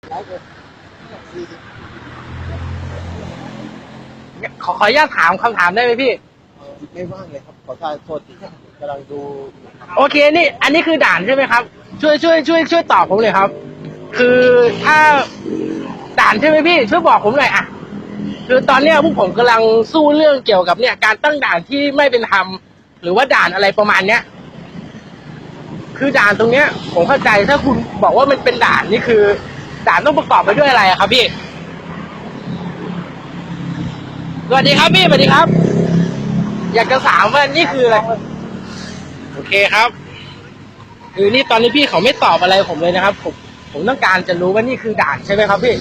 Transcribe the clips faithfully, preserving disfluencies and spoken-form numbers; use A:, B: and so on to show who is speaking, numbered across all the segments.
A: ขอขออนุญาตถามคำถามได้ไหมพี่
B: ไม่ว่างเลยครับขอโทษทีกำลังดู
A: โอเคนี่อันนี้คือด่านใช่ไหมครับช่วยช่วยช่วยช่วยตอบผมเลยครับคือถ้าด่านใช่ไหมพี่ช่วยบอกผมหน่อยอ่ะคือตอนเนี้ยพวกผมกำลังสู้เรื่องเกี่ยวกับเนี่ยการตั้งด่านที่ไม่เป็นธรรมหรือว่าด่านอะไรประมาณเนี้ยคือด่านตรงเนี้ยผมเข้าใจถ้าคุณบอกว่ามันเป็นด่านนี่คือด่านต้องประกอบไปด้วยอะไรอะครับพี่สวัสดีครับพี่สวัสดีครับอยากจะถามว่านี่คืออะไรโอเคครับคือนี่ตอนนี้พี่เขาไม่ตอบอะไรผมเลยนะครับผมผมต้องการจะรู้ว่านี่คือด่านใช่ไหมครับพี่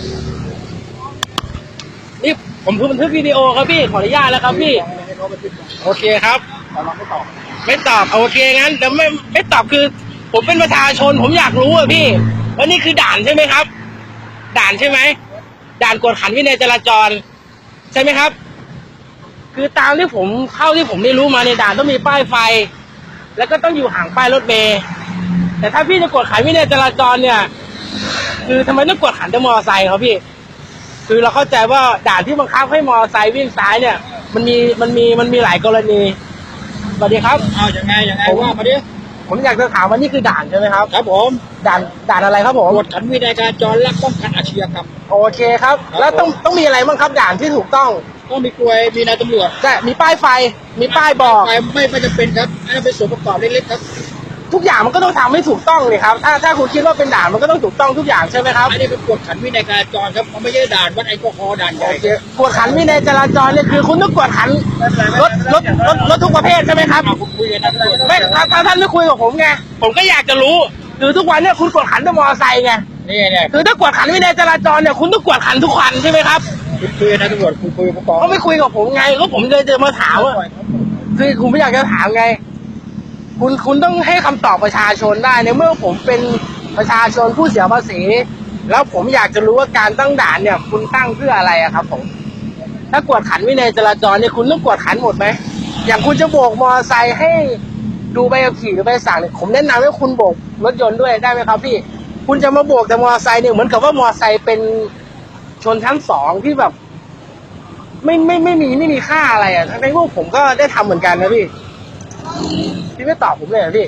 A: นี่ผมคือบันทึกวิดีโอครับพี่ขออนุญาตแล้วครับพี่โอเคครับ
B: ไม่ตอบ
A: ไม่ตอบโอเคงั้นแต่ไม่ไม่ตอบคือผมเป็นประชาชนผมอยากรู้อะพี่ว่านี่คือด่านใช่ไหมครับด่านใช่ไหมด่านกวดขันวินัยจราจรใช่ไหมครับคือตามที่ผมเข้าที่ผมได้รู้มาในด่านต้องมีป้ายไฟแล้วก็ต้องอยู่ห่างป้ายรถเมล์แต่ถ้าพี่จะกวดขันวินัยจราจรเนี่ยคือทำไมต้องกวดขันแต่มอเตอร์ไซค์ครับพี่คือเราเข้าใจว่าด่านที่บังคับให้มอเตอร์ไซค์วิ่งซ้ายเนี่ยมันมีมันมีมันมีหลายกรณีสวัสดีครับ
B: อ้าวยังไงยังไงว่ามาดิ
A: ผมอยากจะถามว่านี่คือด่านใช่ไหมครับ
B: ครับผม
A: ด่านด่านอะไรครับผม
B: กวดขันวินัยจราจรและป้องกันอาชญากรรม
A: โอเคครับแล้วต้องต้องมีอะไรบ้างครับด่านที่ถูกต้อง
B: ต้องมีกลวยมีนายตำรวจ
A: แต่มีป้ายไฟมีป้ายบอก
B: ไม่ไม่ไม่จำเป็นครับอันนั้นเป็นส่วนประกอบเล็กๆครับ
A: ทุกอย่างมันก็ต้องทำให้ถูกต้องเลยครับถ้าถ้าคุณคิดว่าเป็นด่านมันก็ต้องถูกต้องทุกอย่างใช่ไหมครับ
B: อันนี้เป็นกวดขันวินัยจราจรครับมันไม่ใช่ด่านวัดแอลกอฮอล์ด่านใหญ่
A: กวดขันวินัยจราจรเนี่ยคือคุณต้องกวดขันรถรถรถรถทุกประเภทใช่ไหมครับ
B: คุยกันนะ
A: ไม่ถ้าถ้าท่านไม่คุยกับผมไงผมก็อยากจะรู้คือทุกวันเนี่ยคุณกวดขันแต่มอเตอร์ไซค์ไง
B: นี่เนี่ย
A: คือถ้ากวดขันวินัยจราจรเนี่ยคุณต้องกวดขันทุกคันใช่ไหมครับ
B: คุณคุยนะตำรวจคุณคุยประกอบ
A: เขาไม่คุยกับผมไงก็ผมเลยจะมาถามว่าคือคุณไม่อยากจะถามไงคุณคุณต้องให้คำตอบประชาชนได้ในเมื่อผมเป็นประชาชนผู้เสียภาษีแล้วผมอยากจะรู้ว่าการตั้งด่านเนี่ยคุณตั้งเพื่ออะไรอะครับผมถ้ากวดขันวินัยจราจรเนี่ยคุณต้องกวดขันหมดไหมอย่างคุณจะโบกมอเตอร์ไซค์ให้ดูใบขับขี่หรือใบสั่งเนี่ยผมแนะนำให้คุณโบกรถยนต์ด้วยได้ไหมครับพี่คุณจะมาโบกแต่มอเตอร์ไซค์เนี่ยเหมือนกับว่ามอเตอร์ไซค์เป็นชนชั้นสองที่แบบไม่ไม่ไม่มีไม่มีค่าอะไรอ่ะทั้งที่พวกผมก็ได้ทำเหมือนกันนะพี่พี่ไม่ตอบผมเลยเหรอพี่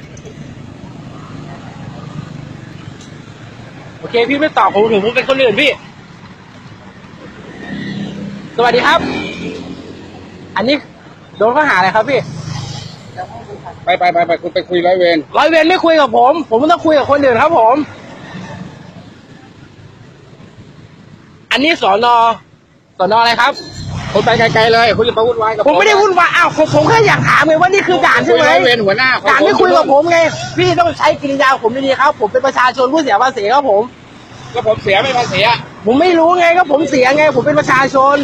A: โอเคพี่ไม่ตอบผมถึงผมเป็นคนอื่นพี่สวัสดีครับอันนี้โดนข้อหาอะไรครับพี่
B: ไปไปไปไปคุณไปคุยร้อยเวร
A: ร้อยเวรไม่คุยกับผมผมต้องคุยกับคนอื่นครับผมอันนี้สอนอสอนออะไรครับ
B: คุณไปไกลๆเลยคุณจะมาวุ่นวายกับ
A: ผมไม่ได้วุ่นวายอ้าวผมผมแค่อยากถามไงว่านี่คือด่านใช่ไหม
B: เวรหัวหน้า
A: ด่านไม่คุยกับผมไงพี่ต้องใช้กิริยาผมดีๆครับผมเป็นประชาชนผู้เสียภาษีครับผม
B: ก็ผมเสียไม่ภาษีอ่ะ
A: ผมไม่รู้ไงก็ผมเสียไงผมเป็นประชาชน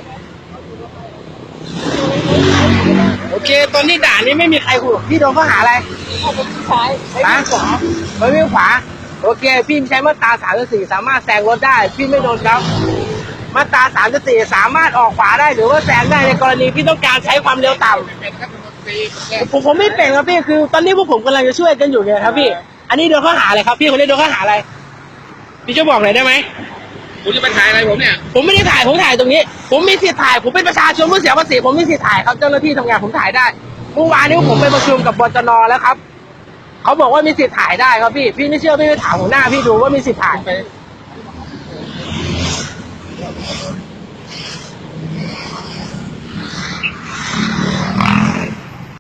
A: โอเคตอนนี้ด่านนี้ไม่มีใครคุยพี่โดนข้อหาอะไร
B: ผมซ้าย
A: นะขวาไม่วิ่งขวาโอเคพี่ใช้มาตราสามสิบสี่สามารถแซงรถได้พี่ไม่โดนครับมาตราสามสิบสี่สามารถออกขวาได้หรือว่าแซงได้ในกรณีที่ต้องการใช้ความเร็วต่ำผมผมไม่เป็นครับพี่คือตอนนี้พวกผมกำลังจะช่วยกันอยู่ไงครับพี่อันนี้โดนข้อหาอะไรครับพี่คนนี้โดนข้อหาอะไรพี่จะบอกหน่อยได้ไหม
B: คุณจะไปถ่ายอะไรผมเนี่ย
A: ผมไม่ได้ถ่ายผมถ่ายตรงนี้ผมมีสิทธิ์ถ่ายผมเป็นประชาชนผู้เสียภาษีผมมีสิทธิ์ถ่ายครับเจ้าหน้าที่ทำงานผมถ่ายได้เมื่อวานนี้ผมไปประชุมกับบจน.แล้วครับเขาบอกว่ามีสิทธิ์ถ่ายได้ครับพี่พี่ไม่เชื่อพี่ไปถามหัวหน้าพี่ดูว่ามีสิทธิ์ถ่ายไป